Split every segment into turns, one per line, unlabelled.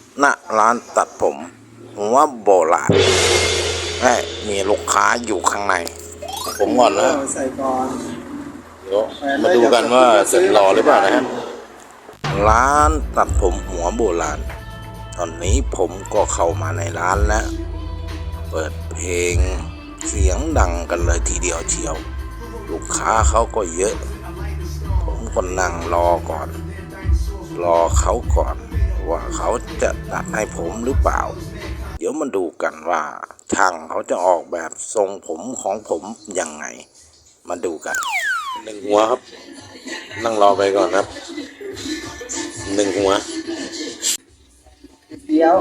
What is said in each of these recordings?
ณร้านตัดผมหัวโบราณและมีลูกค้าอยู่ข้างในผมก่อนนะ
ใส่ก่อน
เดี๋ยวมาดูกันว่าเสร็จหล่อหรือเปล่านะฮะร้านตัดผมหัวโบราณตอนนี้ผมก็เข้ามาในร้านแล้วเปิดเพลงเสียงดังกันเลยทีเดียวเชียวลูกค้าเขาก็เยอะผมก็นั่งรอก่อนรอเขาก่อนว่าเขาจะตัดให้ผมหรือเปล่าเดี๋ยวมาดูกันว่าช่างเขาจะออกแบบทรงผมของผมยังไงมาดูกันหนึ่งหัวครับนั่งรอไปก่อนครับหนึ่งหัว
เดี๋ยว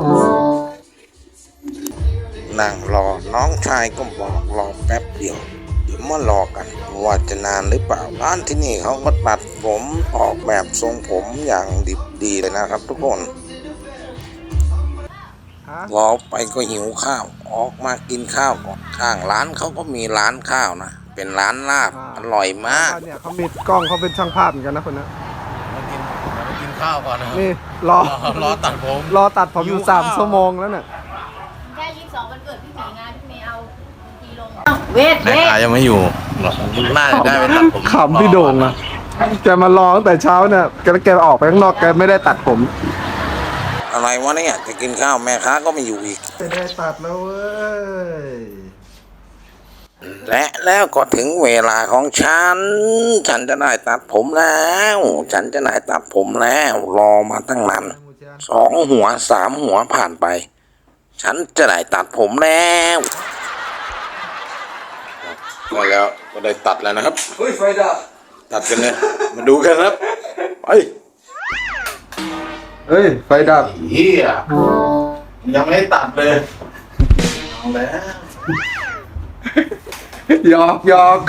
นั่งรอน้องชายก็บอกรอแป๊บเดียวเดี๋ยวมารอกันว่าจะนานหรือเปล่าร้านที่นี่เขาก็ตัดผมออกแบบทรงผมอย่างดิบดีเลยนะครับทุกคนรอไปก็หิวข้าวออกมากินข้าวก่อนข้างร้านเขาก็มีร้านข้าวนะเป็นร้านลาบอร่อยมาก
เนี่ยเขามีกล้องเขาเป็นช่างภาพเหมือนกันนะคนนั้น
มากินข้าวก่อนนะ
นี่รอตัดผมอยู่3 ชั่วโมงแล้วเนี่ย
แค่22วันเกิดพี่หมีงานพี่เมย์เอาทีลงเวท
แม่ค้ายังไม่อยู่น่าจะได้ไปตัดผม
ขำพี่โด่งนะแกมารอตั้งแต่เช้าเนี่ยแกออกไปข้างนอกแกไม่ได้ตัดผม
อะไรวะเนี่ยจะกินข้าวแม่ค้าก็ไม่อยู่อีก
ไม่ได้ตัดแล้วเว้ย
และแล้วก็ถึงเวลาของฉันจะได้ตัดผมแล้วฉันจะได้ตัดผมแล้วรอมาตั้งนาน2 หัว 3 หัวผ่านไปฉันจะได้ตัดผมแล้วได้แล้วก็ได้ตัดแล้วนะครับ
เฮ้ยไฟดับ
ตัดกันเลยมาดูกันครับไป
เฮ้ยไฟดับ
เฮียยังไม่ได้ตัดเลยเอาแล้ว
หยอกหยอก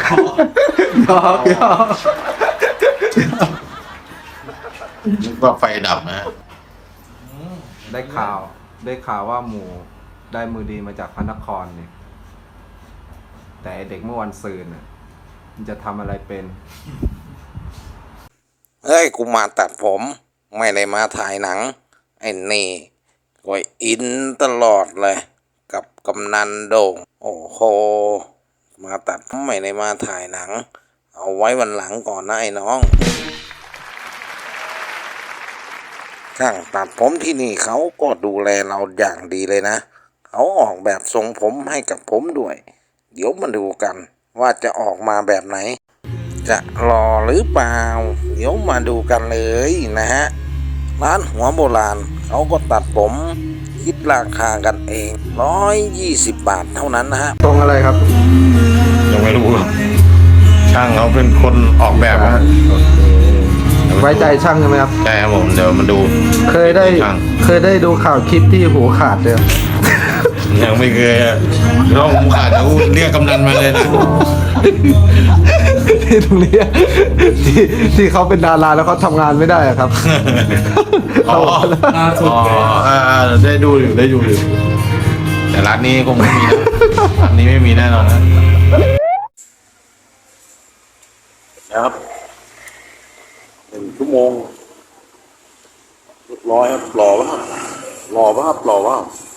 นึกว่าไฟดับนะ
ได้ข่าวว่าหมูได้มือดีมาจากพระนครนี่แต่เด็กเมื่อวันซืนน่ะมันจะทำอะไรเป็น
เฮ้ยกูมาตัดผมไม่ได้มาถ่ายหนังไอ้นี่ก็อินตลอดเลยกับกำนันโด่งโอ้โหมาตัดไม่ได้มาถ่ายหนังเอาไว้วันหลังก่อนนะไอ้น้องช่างตัดผมที่นี่เขาก็ดูแลเราอย่างดีเลยนะเขาออกแบบทรงผมให้กับผมด้วยเดี๋ยวมาดูกันว่าจะออกมาแบบไหนจะหล่อหรือเปล่าเดี๋ยวมาดูกันเลยนะฮะร้านหัวโบราณเขาก็ตัดผมคิดราคากันเอง120 บาทเท่านั้นนะฮะ
ตรงอะไรครับ
ยังไม่รู้ช่างเขาเป็นคนออกแบบนะ
ไว้ใจช่างใช่ไหมครับ
ใช่ครับผมเดี๋ยวมาดู
เคยได้ดูข่าวคลิปที่หูขาดเลย
ยังไม่เคยอ่ะน้องหูขาดเขาเรียกกำนันมาเลยนะ
ที่ตรงนี้ที่เขาเป็นดาราแล้วเขาทำงานไม่ได้ครับ
อ๋อได้ดูอยู่แต่ร้านนี้คงไม่มีนะร้านนี้ไม่มีแน่นอนนะครับ1 ชั่วโมงเรียบร้อยครับหล่อป่ะ